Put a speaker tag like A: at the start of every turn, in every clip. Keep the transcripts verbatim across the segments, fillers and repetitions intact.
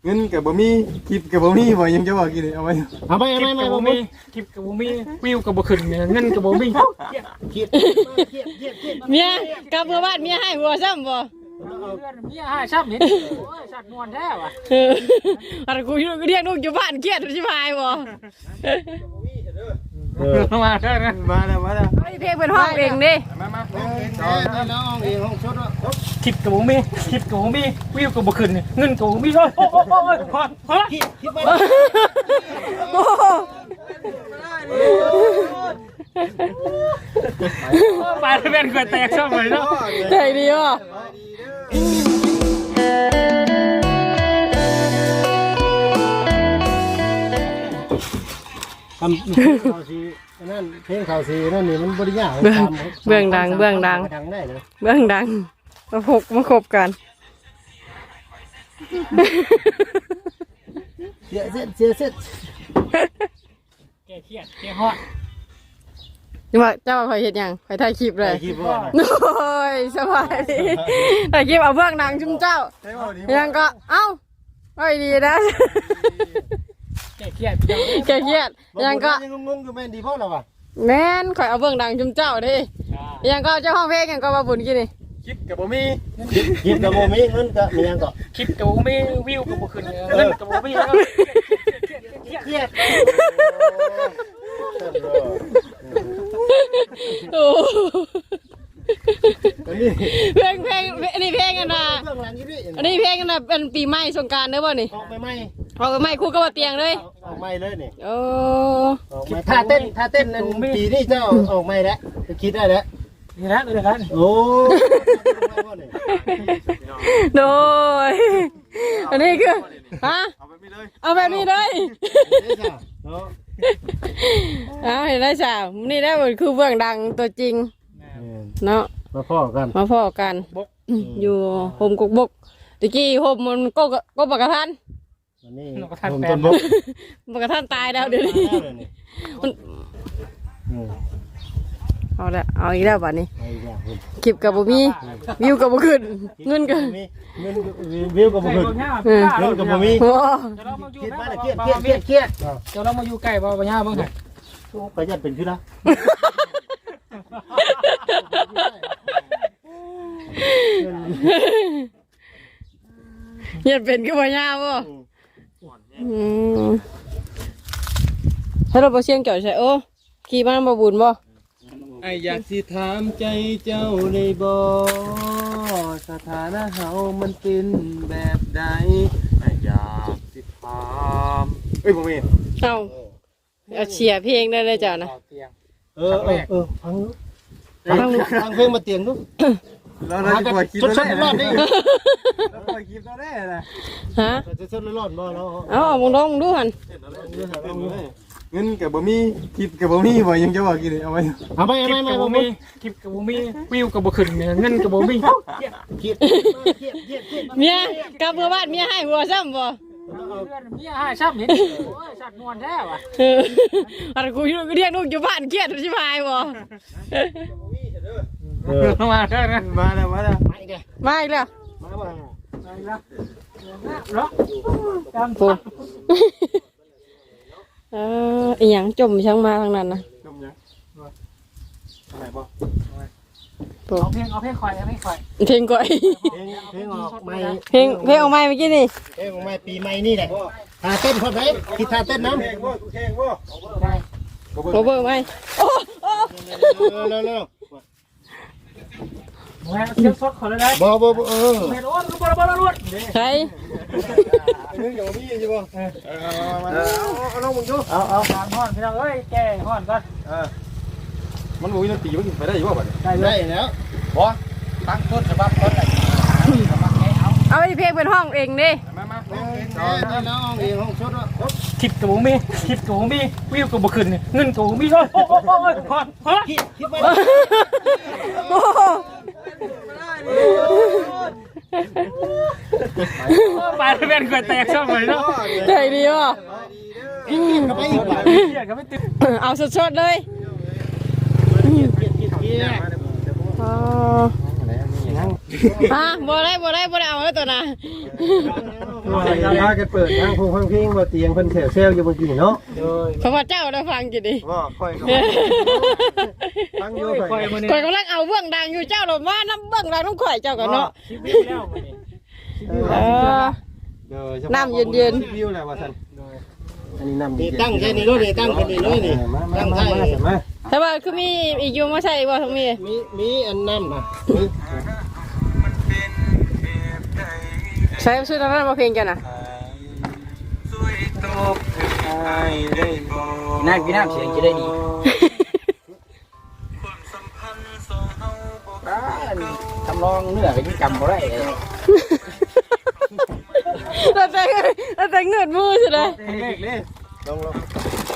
A: เงินกับบ่มีคลิปกับบ่มีบ่ยังจะบอกกี่เลยเอาไว้เอาไปเอาไปไม่บ่มีคลิปกับบ่มีวิวกับบ่ขึ้นเงินกับบ่มีเครียดเครียดเครียดเครียด
B: เมียกลับเมื่อบ้านเมียให้หัวซ้ำบ่
A: เมียให้ซ้ำเห็นโอ้ยสัตว์นวลแท้ว่ะ
B: อะไรกูเรียกลูกอยู่บ้านเครียดชิบหายบ่
A: มาเด้อมาแล้วมาแล้ว
B: ไอ้เพลงเป็นห้องเองดิ
A: มามาน้องเองห้องชุดคลิปกับบ่มีคลิปกับบ่มีวิวกับบ่ขึ้นเงินกับบ่มีโอ้ยโอ้ยโอ้ยพอพอคลิปคลิปไปไปเป็นกล้วยแตกชอบเลยเนาะ
B: ใจดีว่ะ
C: ทำข่าวสีนั่นเพลงข่าวสีนั่นนี่มันบริยาก
B: เบื้องดังเบื้องดังเบื้องดังมาพกมาคบกัน
C: เสียเส้นเสียเส้น
A: แก่เครียดแก่ฮอด
B: จะมาเจ้าคอยเห็นยังคอยถ่ายคลิปเลยโอ้ยสบายดีถ่ายคลิปเอาเบื้องดังชุ่มเจ้ายังก็เอ้าไม่ดีนะ
A: แก่เครียด
B: แก่เครียดยังก็
C: ยังงงอยู่แม่นดีพ่อเราอ่ะ
B: แม่นคอยเอาเบื้องดังชุ่มเจ้าดิยังก็เจ้าห้องเพลงยังก็มาบุญกินนี่
A: คลิปกับบ่มี
C: คลิปกับบ่มีเงินกับมียังก็
A: คลิปกับบ่มีวิวกับบ่ขึ้นเงินกับบ่มีแล้วเครียด
B: โอ้เพลงเพลงอันนี้เพลงกันนะอันนี้เพลงกันนะเป็นปีใหม่สงกรานต์เด้อบ่นี่
C: ออกไปใหม่
B: ออกไปใหม่คู่กับเตียงเลย
C: ออกใหม่เลยนี่
B: โอ้
C: ท่าเต้นท่าเต้นนั่นปีนี้เจ้าออกใหม่แล้วคิดได้แล้ว
A: นี่นะนี่นะ
C: โอ้
B: โดยอันนี้คือฮะเอาแบบนี้เลยเอาเห็นได้จ้านี่ได้หมดคือเบื้องดังตัวจริงเนาะ
C: มาพ่อกัน
B: มาพ่อกันอยู่โฮมกุกบกตะกี้โฮมมันก็ก็ปกระทัน
C: นี่โฮมต้นบก
B: ปกระทันตายแล้วเดี๋ยวนี้เอาละเอาอีกแล้วบัดนี้คลิปกับบุมีวิวกับบุขึ้นเงินกับ
C: เงินวิวกับบุขึ้นเงินกับบุมีคิดมาเครียดเครียดเครียดเครียด
A: เดี๋ยวเรามาอยู่ใกล้บ่บ่ย่าบ้างค่ะ
C: ไปยัดเป็นขึ้นนะ
B: ยัดเป็นก็บ่ย่าบ่ให้เราบ่เชียงเกี่ยวใช่โอ้ขี่บ้านบ่บุญบ่
A: ไออยากสิถามใจเจ้าในบ่สถานะเฮามันเป็นแบบใดไออยากสิถามเอ้ยบ่มี
B: เอาเอาเชียร์เพลงได้เลยจ้ะนะ
C: เออเออเออฟังฟังฟังเพลงมาเตียงดู
A: เราเราจะปล่อยคลิปแล้วได้เราปล่อยคลิปแล้วได้นะ
B: ฮะ
C: จะชดร้อนบ่เรา
B: เอาเอามองดองดูหัน
A: เงินกับบ่มีคลิปกับบ่มีบ่ยังจะบอกกี่เลยเอาไว้
C: เอาไปเอาไป
A: กับบ่มีคลิปกับบ่มีวิวกับบ่ขึ้นเงินกับบ่มี
C: เครียดเครียดเครียดเครียด
B: เมียกลับเมื่อบ้านเมียให้หัวซ้ำบ่
A: เมียให้ซ้ำเห็นโอ้ยสัตว์นวลแท้ว่ะ
B: อะไรกูเรียกลูกอยู่บ้านเครียดชิบหายบ่
A: มาเด้อมาแล้วมาแล้ว
B: มาอีกแล้วมาอีกแล้ว
A: มาอีกแล้วเนาะจำ
B: ปูเอออีหยังจมช่างมาทางนั้นนะ
A: จมยังอะไรบ่
B: เอา
A: เพลงเอาเพลงคอยเอาเพลงคอย
B: เพลงก่อย
C: เพลงออกใหม่
B: เพลงเพลงออกใหม่เมื่อกี้นี่
C: เพลงออกใหม่ปีใหม่นี่แหละท่าเต้นคนไหนคิดท่าเต้นน้ำเพลงบ่เพลงบ่
B: บ่เบิ่งไหมโอ้โอ้
C: เร็วเร็ว
A: เสียงสดขอเลยได้
C: บ่บ่เออ
A: เมโลนบ่บ่บ่ล้วน
B: ใช่
C: นึกอย่างนี้ใช่ป่ะเออเอาเอาลงมึงดู
A: เอาเอาการห่อนพี่น้องเอ้ยแก่ห่อนก่อน
C: เออ
A: มันบ่มีดนตรีมันไปได้อยู่บ่บัดนี้
C: ได้ได้แล้ว
A: บ่ตั้งต้นฉบับต้นได้
B: เอาเพลงเป็นห้องเองดิ
A: มามา
C: น้องเองห้องชุดว่า
A: คลิปกับบ่มีคลิปกับบ่มีวิวกับบ่ขึ้นเงินกับบ่มีโอ้ยโอ้ยโอ้ยพอพอ
C: คิดคิดไป
A: ไปเป็นกล้วยแตกชอบเลยเนาะ
B: ใจดีว่ะ
C: ก็ไปอีกแบบ
B: เอาสดๆเลยฮะบ่ได้บ่ได้บ่ได้เอาแล้วตัวน่ะ
C: พากันเปิดทางพงฟังเพลงบ่เตียงเพิ่นแถวเซลอยู่เมื่อกี้เนาะ
B: เพราะว่าเจ้าได้ฟังกี่ดี
C: ว่าค่อยก็ฟังอยู่ค่อย
B: ข่อยกำลังเอาเบื้องดังอยู่เจ้าหลบว่าน้ำเบื้องดังต้องข่อยเจ้ากันเนาะเออ น้ำเย็น
C: วิวแหละว่าซั่นอันนี้น้ำ
D: นี่ตั้งแค่นี้เลยนี่ตั้งแค่นี้เลยนี่ตั้งใช่
C: มา
B: แต่ว่าคือมีอีกอยู่มาใช่บ่ทั้งมี
D: มีมีอันน้ำนะ
B: ใช้ชื่อนั้นมาเพลงกันนะ
D: น้ำกินน้ำเสียงจะได้ดีทำลองเนื้อก็ยังจำบ่ได้เลย
B: เราแต่เราแต่เงินมือใช่ไหม
C: เล็กเลยลงลง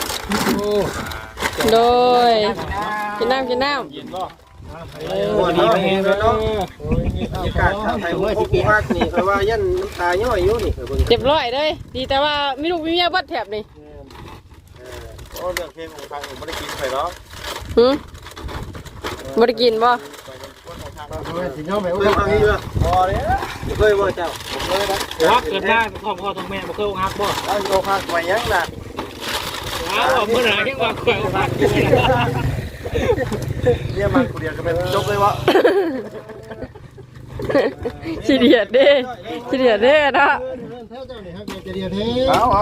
B: โดยกินน้ำกินน้
C: โอ้ดีแม่เนาะบรรยากาศทางไทยโอ้โหภาคนี่เพราะว่ายันน้ำตาย่อยอยู่นี่เบิ่ง
B: ำเจ็บร้อยเลยดีแต่ว่ามีลูกมีเมียบัดแถบนี่
C: โอ้เรื่องเพลงของฟังบ่ได้กินไปเนาะ
B: หืมบ่ได้กินบ่
C: สิย่อมไปเคยฟังนี่บ่บ่เด้อเคยบ่เจ้าเคยนะ
D: ฮักเกิดได้พ่อพ่อทองแม่บ่เคยฮักบ่
C: เอาโยคักไว้ยังน่ะ
D: อ้าวมื้อไหร่ที่ว่าเคยฮัก
C: เรียกมาคนเดียวก็เป็นจบเลยวะ
B: ขี้เดียดเด้ขี้เดียดเด้นะ
C: เอาเอา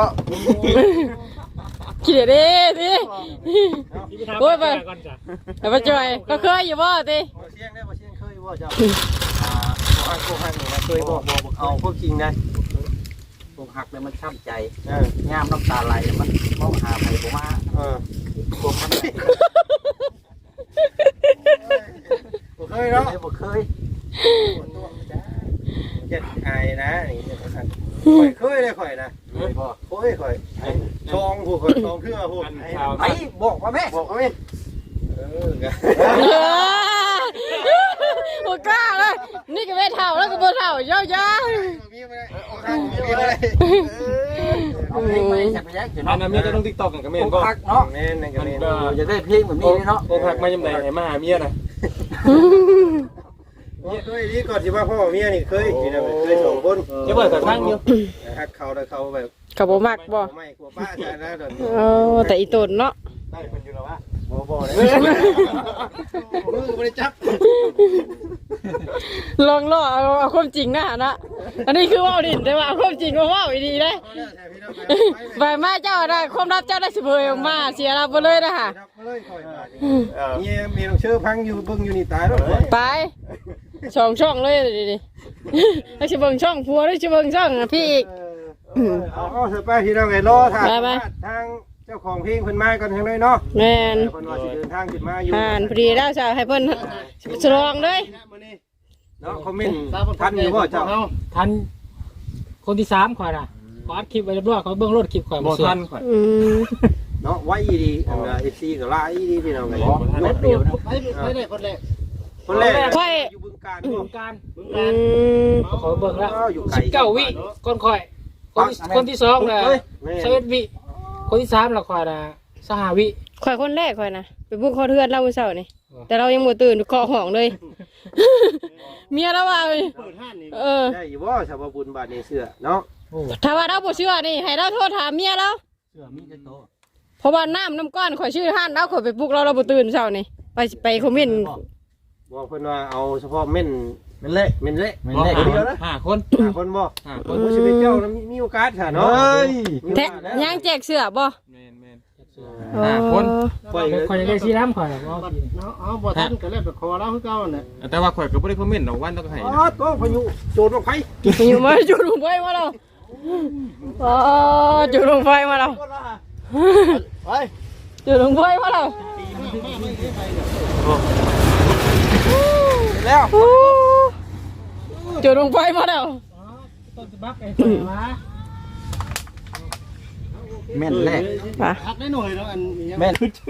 B: ขี้เดียดเด้สิโอ้ยไปไปจอยก็เคยอยู่บ่ติ
C: เชียงได้บ่เชียงเคยบ่เจ้าอ่าบ่ฮักบ่ฮักนี่นะเคยบ่บ่เอาพวกจริงได้
D: พวกฮักแล้วมันช้ำใจ
C: เออย
D: ามน้ำตาไหลมันมองหาไปบ่มา
C: เออ
D: พวกมัน
C: บ่เคยเนาะ
D: บ่เคย
C: เจ็ดอายนะนี่ข่อยเคยเลยข่อยนะ
D: เคยบ่
C: โอ้ยข่อยชองผู้ข่อยชองเครือผู้
D: ไอ้บอกว่าแม่
C: บอกเอาแม่เออ
B: โอ้กล้าเลยนี่ก็ไม่เท่าแล้วก็บ่เท่าเยอะๆ
C: มีบ่ได้เอาข้างมีบ่ได้
D: เอาเพลงมาจับไปยัก
A: อันนั้นมีแต่ต้อง TikTok กันก็แม่นบ่
D: ฮักเนาะ
C: แม่นนั่นก็แม่น
D: อยากได้เพลงแบบนี้เนาะ
A: โอ้พักมายังไดให้มาหาเมียน่ะ
C: เคยนี่ก่อนสิว่าพ่อเมียนี่เคยนี่นะเคยสองคน
A: จะเปิดแต่ทางอยู่
C: ฮักเขาแล้วเขาแบบ
B: ก็บ่มักบ่
C: ไม่กลัวป้าจะนะเดี๋ยวนี้
B: เออแต่อีตนเนาะ
C: ได้คนอยู่แล้ววะบ่บ่เลยมือบ่ได้จับ
B: ลองล่อเอาเอาความจริงนะนะอันนี้คือเว่าดินแต่ว่าเอาความจริงมาเว่าอีดีเลยใบมาเจ้าได้ความรับเจ้าได้สิเผยออกมาเสียรับไปเลยนะฮะ
C: เลยคอยมามีมีน้องเชื่อพังอยู่เบิ่งอยู่นี่ตายแล้ว
B: ไปช่องช่องเลยดิดิแล้วสิเบิ่งช่องพัวแล้วสิเบิ่งช่องพี่อีก
C: เอาเอาเถอะไปที่เราไงรอทางทางเจ้าของเพลงเพิ่นมาก่อนทางเลยเนาะ
B: แมน
C: เพิ่นว่าสิเดินทางขึ้นมาอยู่
B: ผ่านพอดีแล้วจะให้เพิ่นฉลองเลย
C: เนาะคอมเมนต์ทันอยู่บ่เจ้า
D: ทันคนที่สามข่อยน่ะขออัดคลิปไว้เรียบร้อยขอเบิ่งรถคลิปข่อย
A: บ่
D: บ่ทั
A: ทั
D: น
A: นข่อย
B: อืม
C: เนาะไว้ดีอันเอฟซีก็ลายดีพี่น้องไง
D: รถเดียวนะ
C: คนแรกคนแรกอยู่บึงการ
D: บึ
C: บ่
D: งการบึง
B: อื
D: การ
B: ม
D: ขอเบิ่งแล้ว
C: อยู่ไกล
D: สิบเก้าวิก่อนข่อยคนคนที่สองน่ะสิบเอ็ดวิคนที่สามล่ะข่อยน่ะสหวิ
B: ข่อยคนแรกข่อยนะไปบุกเขาเทือนเราเช้านี่แต่เรายังบ่ตื่นเคาะห้องเลย เมียเราว่าเออ
C: ได้อยู่บ่ชาวบุญบาทในเสื้อเนาะ
B: ถ้าว่าเราบ่เชื่อนี่ให้เราโทรถามเมียเรา
D: เสื้อมีแต่โต
B: เพราะว่าน้ำน้ำก้อนข่อยชื่อห้านเราข่อยไปปลุกเราเราบ่ตื่นเช้านี่ไปไปคอมเมนต์
C: บอกเพิ่นว่าเอาเฉพาะเม่น
D: เป็นเละ
C: เม่นเละ
D: เป็นเละ
C: เดียวนะ
D: ห้าคน
C: หาคนบ่
A: ห้าค
C: คน นผู้ชีวิตเจ้ามีโอกาสค่ะเนาะ
B: แท้ย่างแจกเสื้อบ่
A: แม่นแม่น
B: ห้าคน
C: ปล่อย
D: ข่อยจะได้สีน้ำข่อยน่ะบ่
E: เอาบ่ทันก็เล่นไปขอแล้วคือเก่าน่ะ
A: แต่ว่าข่อยก็บ่ได้คอมเมนต์ดอกวันต้องให้
C: อ๋อก็พายุโจรลงไผ
B: อยู่มาจุดลงไฟมาแล้วอ๋อจุดลงไฟมาแล้ว
C: ไป
B: จุดลงไฟมาแล้ว
C: แล้ว
B: จุดลงไฟมาแล้ว
D: ต้นบักไอ้ข่อยมา
C: แม่นแรก
B: มา
E: พักได้หน่อยแล้วอันนี้
C: แม่น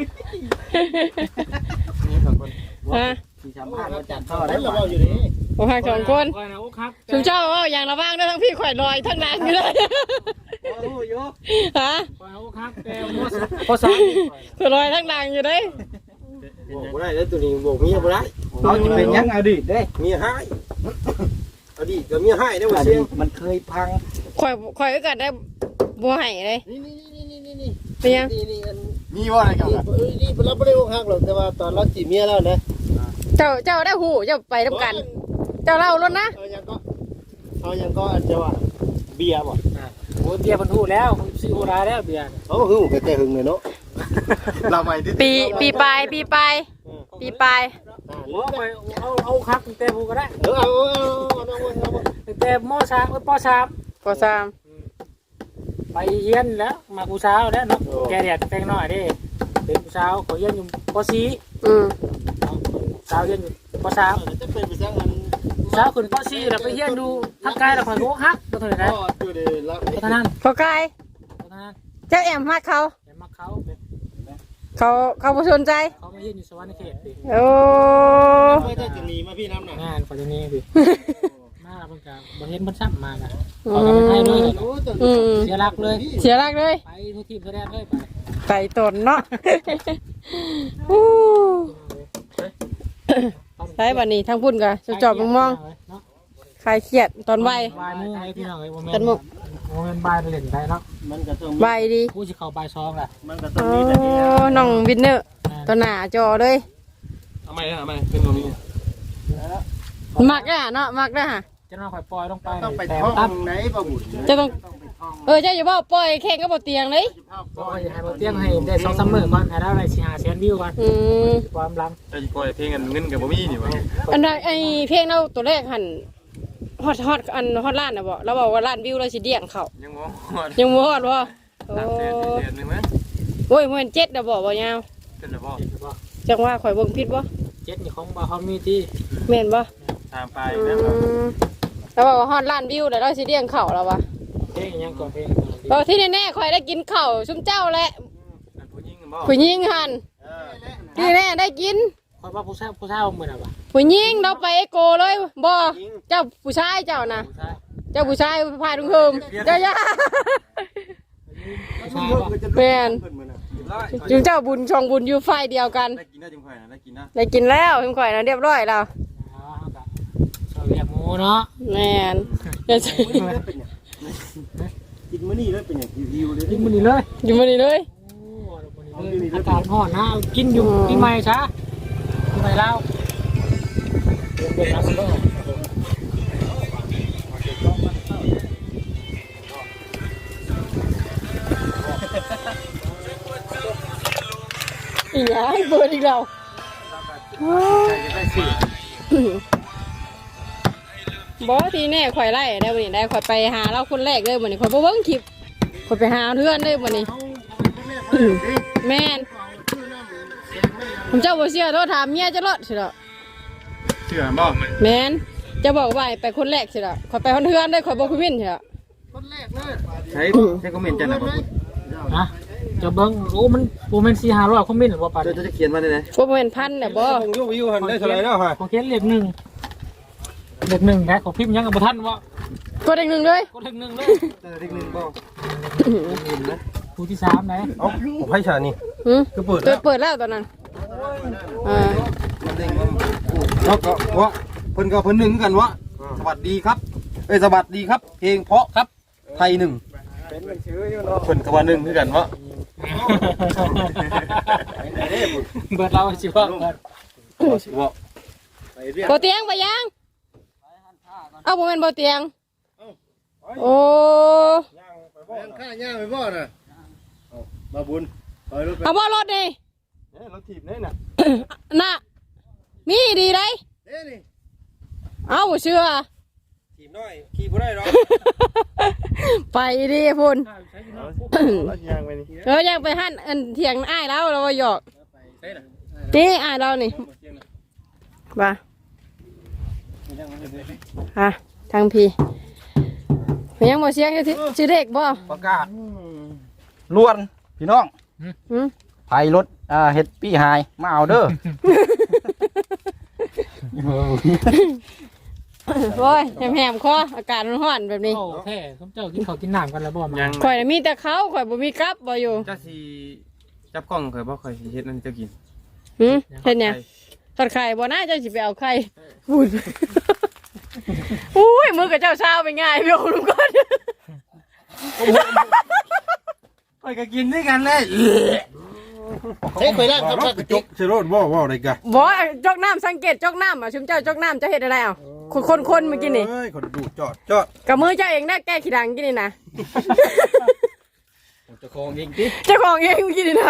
B: ฮะ
D: ที่สามพันมาจัด
E: ต่
D: ต่
E: อ
D: อ
E: ได้
D: ได้
E: เรา
D: บ่
E: อยู่นี่
B: ผมหักสองคน
D: ข่อยน่ะโอ้ครับ
B: ชุมเจ้าว่าอย่างระว่างได้ทั้งพี่ข่อยลอยทั้งนางอยู่เลย
C: โอ้ย
B: ฮะ
D: ข่อยโอ้ครับแต่บ่พอสาม
B: ข่อยลอยทั้งนางอยู่เลย
C: บอกบ่ได้แล้วตัวนี้บอกเมียบ่ได้
D: เอาสิเป็นยังอดีตเด้
C: เมียหายอดีตก็มีให้ได้บ่เสียง
F: มันเคยพัง
B: ข่อยข่อยก็กัดได้บ่ให้เลย
E: นี่นี่นี่นี่นี่นี่
B: เป็นยัง
E: นี่นี่อัน
A: มีว่าอะไรกัน
E: นี่เอ้ยนี่เราไม่ได้อกหักหรอกแต่ว่าตอนเราจีบเมียแล้วนะ
B: เจ้าเจ้าได้หูเจ้าไปทำกัน เจ้าเล่ารถนะ
E: เอายังก็เอายังก็อันจะว่าเบียร์บ่
D: โอ้เบียร์มันถูกแล้วซีโอราแล้วเบียร์
E: เขาหึงแต่หึงเลยเนาะ
A: เราใหม่ดิ
B: ปีปีปลายปีปลายปีปลาย
D: โอ้ไปเอาเอาคักตั้งแต่ผู้ก็ได้
E: เออเอาเอาเอาเอาเอา
D: ตั้งแต่มสามปสาม
B: ก็สาม
D: ไปเฮียนแล้วมากูสาวแล้วเนาะแกเดียดแตงน้อยดิเป็นกูสาวเขาเฮียนอยู่ปสี่
B: อืม
D: สาวเฮียนอยู่ปสาม
E: จะเป็นไปสร้างอัน
D: สาวขึ้นปสี่แล้วไปเฮียนดูทักกายแล้วข่อยโกฮักตัวเท่าไหร่นะ
E: ก็อยู่ในรับ
D: ตัวเท่านั้น
B: พอกาย
D: ตัวเท่านั้น
B: เจ้าแอมฮักเขา
D: เห็นมาเขา
B: เขาเขาบ่สนใจ
D: เขามาเฮียนอยู่สวรรค์เขตดิ
B: โอ้
E: ไม่ได้จะหนีมาพี่น้ำหนัก
D: งานปัจจุบันนี้ดิมาเพิ่งกับบ่เห็นเพิ่นซ้ำมากันเขาก็ไม่ให้เลย
B: อืม
D: เสียรักเลย
B: เสียรักเลย
D: ไปทุกทีมแสดงเลยไป
B: ไก่ตนเนาะ อู้ใช่บัดนี้ทั้งพุ่นก็จะจอบมองๆคลายเครียดตอนไหว
D: บายมูไอ้พี่น้องไอ้โมเมน
B: กัน
D: ต์
B: มุก
D: โมเมนต์บายไปเล่นได้เนาะ
E: มันก็ต้อง
B: ไหวดี
D: กูจะเข้าบายซองแหละ
E: มันก็ต้อ
B: โอ้
E: งมีแต่เดียว
B: น้องวินเนอร์ตัวหน้าจอเลย
A: ทำไมทำไมเป็นตรงนี้
B: มักอ่ะเนาะมักนะฮะ
D: จะน้องข่อยปล่อยลงไป
E: ต้องไป
D: แต่
E: ท่อง
D: ตั้ม
E: ไหนบ่บุญ
B: จะต้องเออเจ้าอย่าบอกปล่อยแข่งก็บ่เตียงเลย
D: ปล่อยให้บนเตียงให้ได้สองสามหมื่นก่อนให้ได้อะไรสี่ห้าแสนวิวก่อน
B: อืม
D: ความลัง
A: จะปล่อยเพลงกันเงินกับบ่มีนี่วะ
B: อันนั้นไอเพลงเราตัวแรกหันฮอตฮอตอันฮอตล้านนะบอกเราบอกว่าล้านวิวเราสิเดี่ยงเขา
A: ยังบ่ฮอด
B: ยังบ่ฮอดบ่โอ้
A: สามแสนสี่แสนหนึงมั้ย
B: โอ้ยมันเจ็ดนะบอกบ่ยาว
A: เป็นแล้วบ่
B: จังว่าข่อยเบิ่งผิดบ่
D: เจ็ดนี่ของบาเขามีที่
B: แม่นบ่
A: ตามไป
B: อื
A: นะครับ
B: มเราบอกว่าฮอตล้านวิวแล้วเราสิเดี่ยงเขาแล้ววะ
D: เพลงยังก่อนเพลง
B: บอกที่แน่ๆข่อยได้กินข้าวซุมเจ้าแหละ
A: อันผู้หญิงบ่
B: ผู้หญิงหันที่แน่ได้กิน
D: คอยว่าผู้ชายผู้ชายเหมือนอะไร
B: ผู้หญิงเราไปเอโกเลยบ่เจ้าผู้ชายเจ้านะ
D: ผู้ชาย
B: เจ้าผู้ชายพาดุงเฮิมเจ้าย่า
D: ผู้ชายป่ะ
B: แม่นจุงเจ้าบุญชองบุญอยู่ไฟเดียวกัน
A: ได้กินได้จังค่อยนะได้กินนะ
B: ได้กินแล้วเพิ่งข่อยนะเรียบร้อยแล้ว
D: อ๋อครับชอบเรียกหมูเนาะ
B: แม่นอย่า
E: กินมื้อนี้แล้วเป็นอย่างหิวๆเลย
D: กินมันนี่เลย
B: อยู่มานี่เลย
D: อากาศร้อนนะกินอยู่ปีใหม่ช้าปีใหม่แล้วเด็กๆนะคุณพ่อ
B: อีหยังเปิดอีกแล้วบอทีแน่ข่อยไล่ได้วันนี้ได้ข่อยไปหาเราคนแรกเลยวันนี้ข่อยบ่เบิ่งคลิปข่อยไปหาเพื่อนเลยวันนี้แม่นผมเจ้าบ่เชื่อโทษถามเมียจะรอดสิเด้อ
A: เชื่อบ่
B: แม่นจะบอกว่าไปคนแรกสิเด้อข่อยไปคนเพื่อนเลยข่อยบ่คุยวินสิเด้อ
E: คนแรกเลย
A: ใช้ใช้คอมเมนต์จังนะบ่
D: นะจะเบิ้งโอ้มันโมเมนต์สี่ห้าร้อยคอมเมนต์หรือว่าปะ
A: จะจะเขียนมาได้ไหน
B: บ่แม่นพันน่ะบ่
C: คงอยู่วิวหันได้เท่าไหร่แล้วฮะ
D: ของเขียนเลขหนึ่งเลขหนึ่งนะของพิมพ์ยังกับท่านวะ
B: กดอีกหนึ่งเลย
D: ก็เลขหนึ่งเลย
C: เด็กหนึ่งบ่
D: ผู้ที่สามไหน
C: เอ้าผมให้ชานี่
B: หืม
C: ก็เปิด
B: เปิ
C: แล้
B: ด
C: ว
B: เปิดแล้วตอนนั้นอ่า
C: แล้วก็วะเพิ่นก็เพิ่นหนึ่งกันวะสวัสดีครับเอ้ยสวัสดีครับ เพลงเพราะครับไทยหนึ่ง
E: เป็นมันชื่ออยู่เนาะ
C: เพิ่นก็ว่าหนึ่งคือกันวะ
D: เบิดเราสิว่าเบิด
C: วะ
E: ไปเรียก
B: บ่เตียงไปยังเอาบ่แม่นบ่เตียงโอ้
E: ย่างข้าย่างไปบ่น่ะเอามาบุญถอยรถไป
B: เอาบ่รถนี่
C: เนี่ยรถถีบเนี่ยน่ะ
B: น่ะมีดีเลย
E: เด้นี่
B: เอาบ่เชื่อ
C: ถีบน้อยขี่บ่ได้หรอก
B: ไปดิพุ่น
A: รถยางไปนี่
B: เออยังไปหั่นอันเถียงอ้ายแล้วเราว่าหยอกนี่อ้ายเรานี่บ่าฮะทางพี่มันยังบ่เสียงอยู่ที่ชื่อเด็กบ่
F: ประกาศล้วนพี่น้อง
B: หืม
F: ไผรถอ่าเฮ็ดปี้หายมาเอาเด้อ
B: โอ้ยแหมๆคออากาศร้อนๆแบบนี้
D: โอ้แค่เขาเจ้ากินข้าวกินน้ำกันแล้วบ่มา
A: ยัง
B: ข่อยน่ะมีแต่เขาข่อยบ่มีกับบ่อยู่
A: จะสิจับกล้องเคยบ่เคยสิเฮ็ดนั่นจะกิน
B: หืมเฮ็ดหยังทอดไข่บ่น่าจะสิไปเอาไข่พูดอุ้ยมือกับเจ้าเช้าไปง่ายพี่โอ้ลุงก่อน
C: ไปก็กินด้วยกันเลย
E: เฮ้ยเคยล่างครับกระจกเชโรดบ่บ่อะไรกัน
B: บ่จกน้ำสังเกตจกน้ำอ่ะชุมเจ้าจกน้ำจะเห็นอะไรอ่ะคนคนคนเมื่อกี้นี่
E: เฮ้ยคนดูจอดจอด
B: กับมือเจ้าเองนะแก้ขี้ดังกินนี่นะ
F: เจะคองเองติ
B: เจ้าของเองเมื่อกี้นี่นะ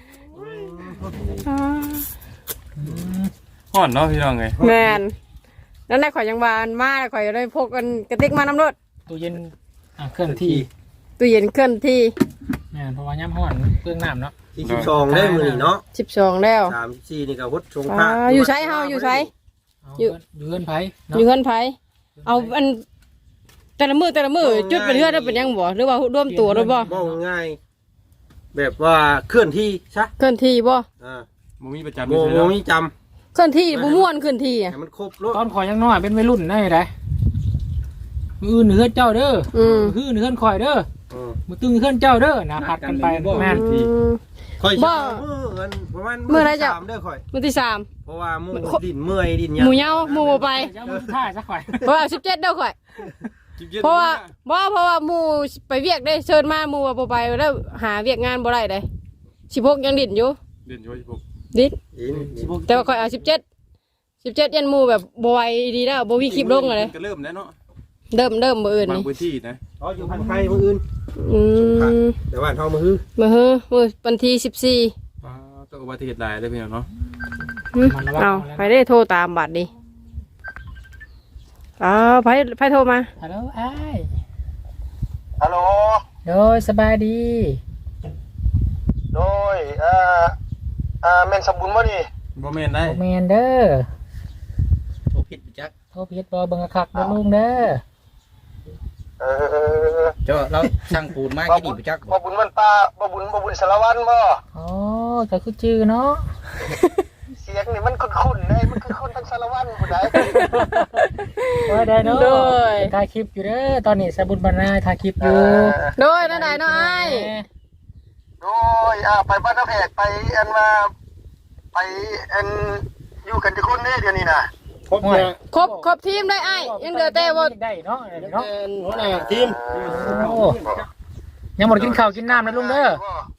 A: ห่อนเนาะพี่น้องไง
B: แมนนั่นแหละข่อยยังบานมาข่อยได้พกกันกระติกมาน้ำรถ
D: ตู้เย็นอ่ะเคลื่อนที่
B: ตู้เย็นเคลื่อนที่
D: เนี่ยเพราะว่าย่ำห่อนเครื่องน้ำเนาะ
C: ที่สิบสองได้มือนี่เนาะ
B: สิบสองแล้ว
C: สามสี่นี่ก็วัดชง
B: อ่า
C: ผ้า
B: อยู่ใช้เฮาอยู่ใช้
D: เอา
B: อยู่
D: อยู่เงินไผ
B: อ
D: เนาะ
B: ยู่เงินไผเอาอันแต่ละมือแต่ละมือจุดเป็นเพื่อนได้เป็นยังบ่หรือว่าร่วมตัวหรือบ่
C: บ่ง่าย แบบว่าเคลื่อนที่ซะ
B: เคลื่อนที่บ่
C: อ่า
A: บ่มีประจำ
C: โม
A: อยู่
C: โม
A: เนาะ
C: มีจ
B: เคลื่อนที่บ่ม่วนเคลื่อนที่
C: ำ
B: อ่ะ
C: ให้มันครบรถ
D: ตอนข่อยยังน้อยเป็นวัยรุ่นได้ไดมืออื่นเฮือนเจ้าเด้อ
B: อืม
D: มืออื่นเฮือนข่อยเด้อ
C: อืม
D: มือตึงเฮือนเจ้าเด้อนะผัดกันไปแม่น
B: อืม
C: ค่อย
B: บ่
C: เช้ามือเงินประมาณ
B: มื้อไหนจะ
C: สามเด้อค่อย
B: มือที่สาม
C: เพราะว่าหมูดินเมื่อยดิน
B: หมูเหย้าหมูบ่ไป
D: เจ้ามือท่ายซะข่อย
B: เพราะว่าสิบเจ็ดเด้อข่อยเพราะว่าบ่เพราะว่าหมู่ไปเวียกได้เชิญมาหมู่ว่าบ่ไปแล้วหาเวียกงานบ่ได้เด้สิบหกยังดิ้นอยู่
A: เด่นอยู่ที่ผม
B: ดิ้น
C: ดินดิน
B: แต่ว่าข่อยเอาสิบเจ็ด สิบเจ็ดยันหมู่แบบบ่ไหวดีแล้วบ่มีคลิปลงเลย
A: ก็เริ่มแล้วเนาะ
B: เริ่มเริ่มมื้ออื่น
A: บาง
B: นี่
A: พื้นที่นะ
C: อ๋ออยู่พันไทยมืออื่น
B: อืม
C: แต่ว่าเท่ามือฮือ
B: มื้อฮือมื้อวันที่สิบสี่
A: ว้าต้องอุบัติเหตุหลายเลยพี่น้องเนาะ
B: หึเอาไปได้โทรตามบัตรดิอ้าวไผไผโทรมา
D: ฮัลโหลอ้าย
C: ฮัลโหล
D: โดยสบายดี
C: โดยอ่าอ่าแม่นสมบูรณ์บ่นี่
A: บ่แม่นได้
D: โอแมนเด้อ
F: โทรผิดจัก
D: โทรผิดบ่เบิ่งคักเด้อลุงเด้อ
C: เออ
F: เจ้าเราสั่งปูนมากี่ดีบ่จัก
C: บ่บุญวันป้าบ่บุญบ่บุญสารวัตรบ่
D: อ๋อก็คือชื่อเนาะ
C: เสียงนี่มันคุ้นๆเลยมันคือคนทั้งสารวัตรผู้ใด
D: ว่าได้เนาะ
B: โดย
D: ถ่ายคลิปอยู่เด้อตอนนี้สบุญบรรณาถ่ายคลิปอยู่
B: โดยนั่นใดเนาะอ้าย
C: โดยอ่าไปบ้านน้าแพกไปอันว่าไปอันอยู่กันที่คนนี้เดี๋ยวนี้น่ะ
E: ครบเนี่ย
B: ครบครบทีมได้อ้ายยังเหลือแต่ว่า
D: ได้เนาะเนาะ
E: เป็นหัวหน้าทีม
D: โอ้ยังหมดกินข้าวกินน้ำนะลุงเด้อ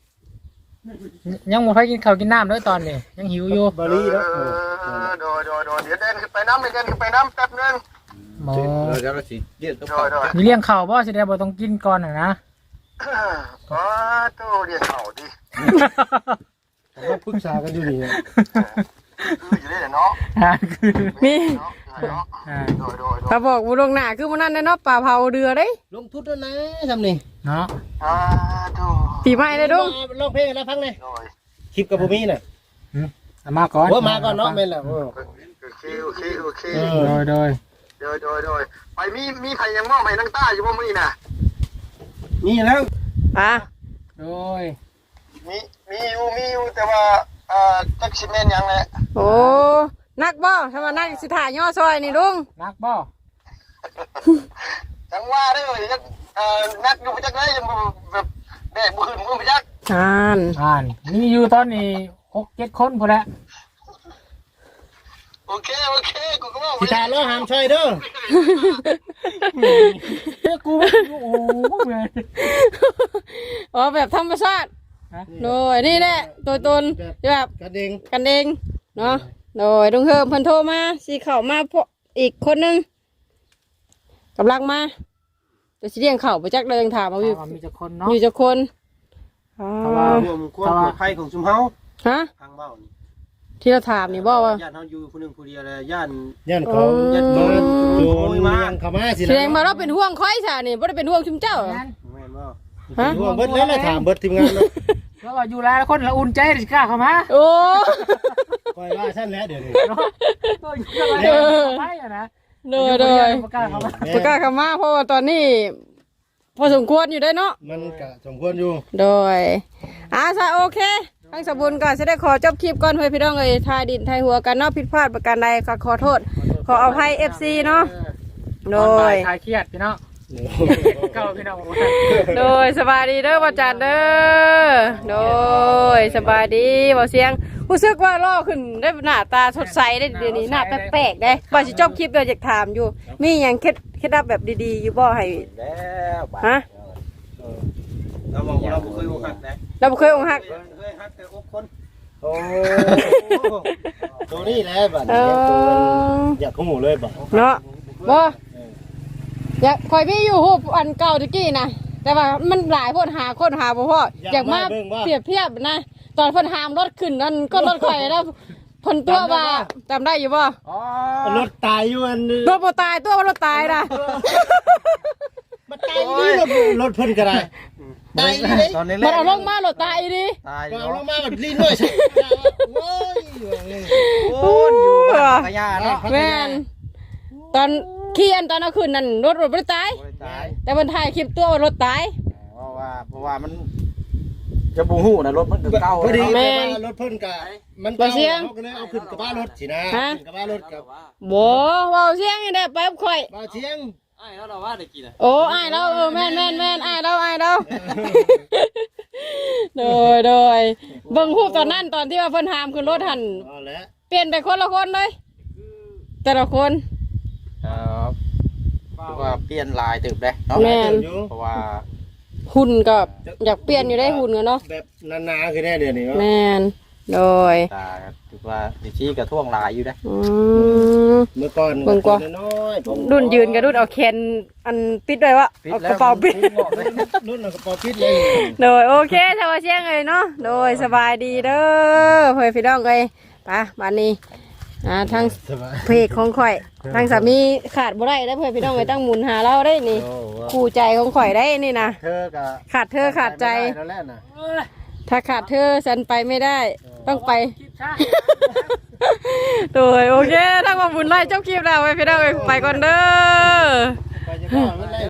D: ยังหมดไปกินข้าวกินน้ำเด้อตอนนี้ยังหิวอยู่
E: บาลีแล้ว
C: เออโดยโดยโดยเดี๋ยวเดินขึ้นไปน้ำเดินขึ้นไปน้ำแป๊บนึง
D: หมอ
F: เราจะเราสิเรียกตัว
C: โดยโดย
D: มีเลี้ยงข้าวบ่สิได้บ่ต้องกินก่อนน่ะนะ
C: อ๋อตู้เรียนเข่าดิ
E: เราปรึกษากันอยู่นี่
C: คืออยู่ได้เนาะ
D: อ่าคือ
B: มี
C: เนาะเนาะ
D: อ่า
C: โดยโดยโดย
B: ถ้าบอกบ่ลวงหน้าคือมื้อนั้นเนาะป่าเผาเรือเด้
F: ลงทุนด้วยนะทำนี่
D: เนาะ
C: อ่าดู
B: ปีใหม่เลยดุง
E: ร้องเพลงแล้วฟังเลย
C: โดย
E: คลิปกับบ่มีน่ะ
D: เอามาก่อน
E: ว่ามาก่อนเนาะแม่นแล้ว
C: โอเคโอเคโอเค
D: โดยโดย
C: โดยโดยโดยไปมีมีไผยังมอบให้นางต้าอยู่บ่มื้อนี้น่ะ
E: นี่แล้ว
B: อ่ะ
D: โดย
C: มีมีอยู่มีอยู่แต่ว่าอ่าจักสิแม่นหยังแหละ
B: โอ้นักบ่ถ้าว่านักสิถ่ายย่อซอยนี่ลุง
D: นักบ่
C: จังว่าเด้อจักเอ่อนักอยู่บ่จักได้ยังบ่แบบแดกบ่ขึ้นมือบ่จัก
B: อ่าน
D: อ่านมีอยู่ตอนนี้หกเจ็ดคนพอแล้ว
C: โอเคโอเคกูก็ว่า
E: สิตาล้อหามช่วยเด้อ
D: เฮ้ยกูโอ้โหเว้ย
B: อ๋อแบบธรรมชาติ
D: ฮะ
B: โดยนี่แหละตัวตนแบบ
E: กระเด้ง
B: กันเองเนาะโดยลุงเฮิมเพิ่นโทรมาสิเข้ามาพวกอีกคนนึงกำลังมาจะสิเลี้ยงข้าวบ่จักเลยยังถามเอาอยู่
D: ถามว่ามีจักคนเนาะ
B: อยู่จักคนอ๋อ
D: เพราะว่า
C: รวมความปลอดภัยของชุมเฮา
B: ฮะ
C: ทางเบ้านี่
B: ที่เราถามนี่บ่ว่า
C: ญาติเฮาอยู่ผู้หนึงผู้เดียวแล้วย่าน
E: ย่านเขา
B: อ๋อ
E: ยัดโดนโดนยังเข้ามาสิ
B: แสดงมาเราเป็นห่วงค่อยซะนี่บ่ได้เป็นห่วงชุมเจ้า
C: แม่นบ่
B: ฮะ
E: ห่วงเบิดแล้วล่ะถามเบิดทีมงานเนาะ
D: แล้วว่าอยู่หลายคนละอุ่นใจสิกล้าเข้ามา
B: โอ้
E: คอยว่าซั่นแล้วเดี๋ยวนี้
D: เนาะตัวอยู่หลายคนเข้าไปอะนะ
B: โดยโดย
D: บ่กล้าเข้ามา
B: ประกล้าศเข้ามาเพราะว่าตอนนี้ พอสมควรอยู่ได้เนาะ
E: มันก็สมควรอยู่
B: โดยอาซะโอเคทั้งสมบูรณ์ก็จะได้ขอจบคลิปก่อนเพื่อพี่น้องเอ้ยทายดินทายหัวกันเนาะผิดพลาดประการใดก็ขอโทษ ขออภัย เอฟ ซี เนาะโด
D: ตอนบ่าย
B: ย
D: คลายเครียดพี่น้องเก้าพี่น้องบอกว่า
B: โดยสบายดีเด้อบ่จัดเด้อโดยสบายดีบ่เสียงรู้สึกว่าล่อขึ้นได้หน้าตาสดใสได้เดี๋ยวนี้หน้าแปลกๆได้บ่สิจบคลิปเดี๋ยวอยากถามอยู่ มีหยังเคล็ดเคล็ดลับแบบดีๆอยู่บ่ให้
C: แล้วบาด
B: ฮะ
C: เราบอกเราบ่เคยอกหักนะ
B: เราบ่เคยอกหัก
C: เคยหักแต่อกคน
E: โอ้ตัวนี้แหละบัด
B: เอ
E: นี้ตัว
B: อ
E: อยากหูเลยบ่
B: เนาะบ่อยากคอยพี่อยู่ฮูบอันเก่าตะกี้นะแต่ว่ามันหลายคนหาคนหาบ่พออยากมาเปรียบเทียบนะตอนเพิ่นหามรถขึ้นนั่นก็รถข่อยแล้วเพิ่นตัวว่าจำได้อยู่บ่
C: อ๋อ
E: รถตายอยู่อัน
B: ตัวบ่ตายตัวว่ารถตายนะ
E: มันตายอยู่นี่รถรถเพิ่นก็ได้ตายอยู่นี่
F: ตอนนี้
B: มันเอาลงมารถตายอีดิ
F: ตาย
E: เอาลงมาแบบลิ้นด้วยใช่โอ้ย
F: โอ้ยอยู่บ้านพญาเนาะ
B: แม่นตอนขี่อันตอนเอาขึ้นนั่นรถรถบ่ได้ตาย
F: ตาย
B: แต่เพิ่นถ่ายคลิปตัวว่ารถตาย
F: เพราะว่าเพราะว่ามันจะบูฮู้นะรถมันก็เก่า
E: พอดี
F: เนาะ
E: แม่รถเพิ่นก็มันเก่าเขาก็เลยเอาขึ้นกระบะรถสินะขึ้นกระบะรถกับ
B: บ่เว้าเสียงนี่ได้ไปกับข่อย
E: บ่าวเชียง
A: ไอ้แล้วเราว่าได้กินอ่ะ
B: โอ้อ้ายเราเออแม่นแม่นแม่นอ้ายเราอ้ายเราโดยโดยเบิ่งรูปตอนนั้นตอนที่ว่าเพิ่นหามขึ้นรถหัน
E: เอาละ
B: เปลี่ยนไปคนละคนเลยแต่ละคน
F: เอ่อเพราะว่าเปลี่ยนลายตึกได้เนาะ
B: แม่น
F: เพราะว่า
B: หุ่นก็อยากเปลี่ยนอยู่ได้หุ่นกันเนาะ
E: แบบนานๆคือแน่เดี๋ยวนี้ว่า
B: แม่นโดย
F: ตาถือว่าดิชี้กระท่วงลายอยู่ได้
B: อืม
E: เมื่อก่อน
B: เบิ่งกว่า
E: น้อยๆผม
B: รุ่นยืนกับรุ่นเอาแขนอันปิดด้วยวะเอากระเป๋าปิด
E: รุ่นเอากระเป๋าปิดเลย
B: โดยโอเคชาวเชียงเลยเนาะโดยสบายดีเด้อเพื่อนพี่น้องเลยไปบ้านนี้อ่าทั้งเพจของข่อยทั้งสามีขาดบ่ได้แล้วเพื่อนพี่น้องเลยตั้งหมุนหาเราได้นี่
E: โอ้ว่า
B: คู่ใจของข่อยได้นี่นะ
E: เธอกับ
B: ขาดเธอขาดใจ
E: แล้วแหละนะ
B: ถ้าขาดเธอฉันไปไม่ได้ ต้องไป โดยโอเคทั้งมาบุญไล่เจ้าคลิปแล้วไปพี่น้องเอ้ยไปก่อนเด้อ
E: ไปจะก่อนไม่ได้